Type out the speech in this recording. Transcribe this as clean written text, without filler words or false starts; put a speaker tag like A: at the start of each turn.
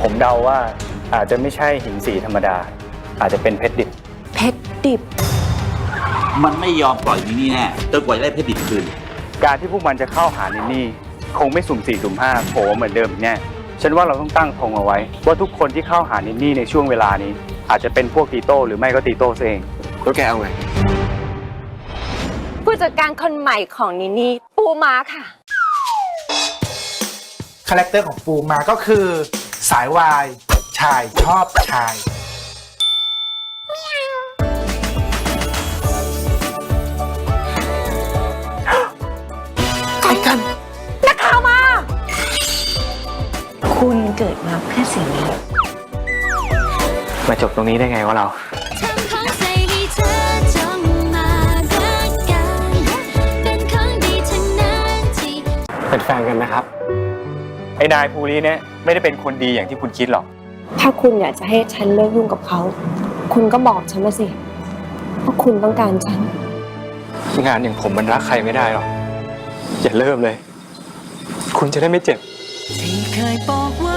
A: ผมเดาว่าอาจจะไม่ใช่หินสีธรรมดา อาจจะเป็นเพชรดิบ
B: เพชรดิบ
C: มันไม่ยอมปล่อยนินี่แน่จนกว่าจะได้เพชรดิบคืน
A: การที่พวกมันจะเข้าหานินนี่คงไม่สุ่ม4สุ่ม5โผล่เหมือนเดิมแน่ฉันว่าเราต้องตั้งธงเอาไว้ว่าทุกคนที่เข้าหานินนี่ในช่วงเวลานี้อาจจะเป็นพวกตีโต้หรือไม่ก็ตีโต้เองแล้วแกเอาไง
B: ผู้จัดการคนใหม่ของนินี่ปูม้าค่ะ
D: คาแรคเตอร์ของปูมาก็คือสายวายชายชอบชายใครกัน
B: นักข่าวมาคุณเกิดมาเพื่อสิ่งนี้
A: มาจบตรงนี้ได้ไงวะเราเป็นแฟนกันนะครับไอ้นายภูริเนี่ยไม่ได้เป็นคนดีอย่างที่คุณคิดหรอก
B: ถ้าคุณอยากจะให้ฉันเลิกยุ่งกับเขาคุณก็บอกฉันมาสิว่าคุณต้องการฉัน
A: งานอย่างผมมันรักใครไม่ได้หรอกอย่าเริ่มเลยคุณจะได้ไม่เจ็บที่เคยบอกว่า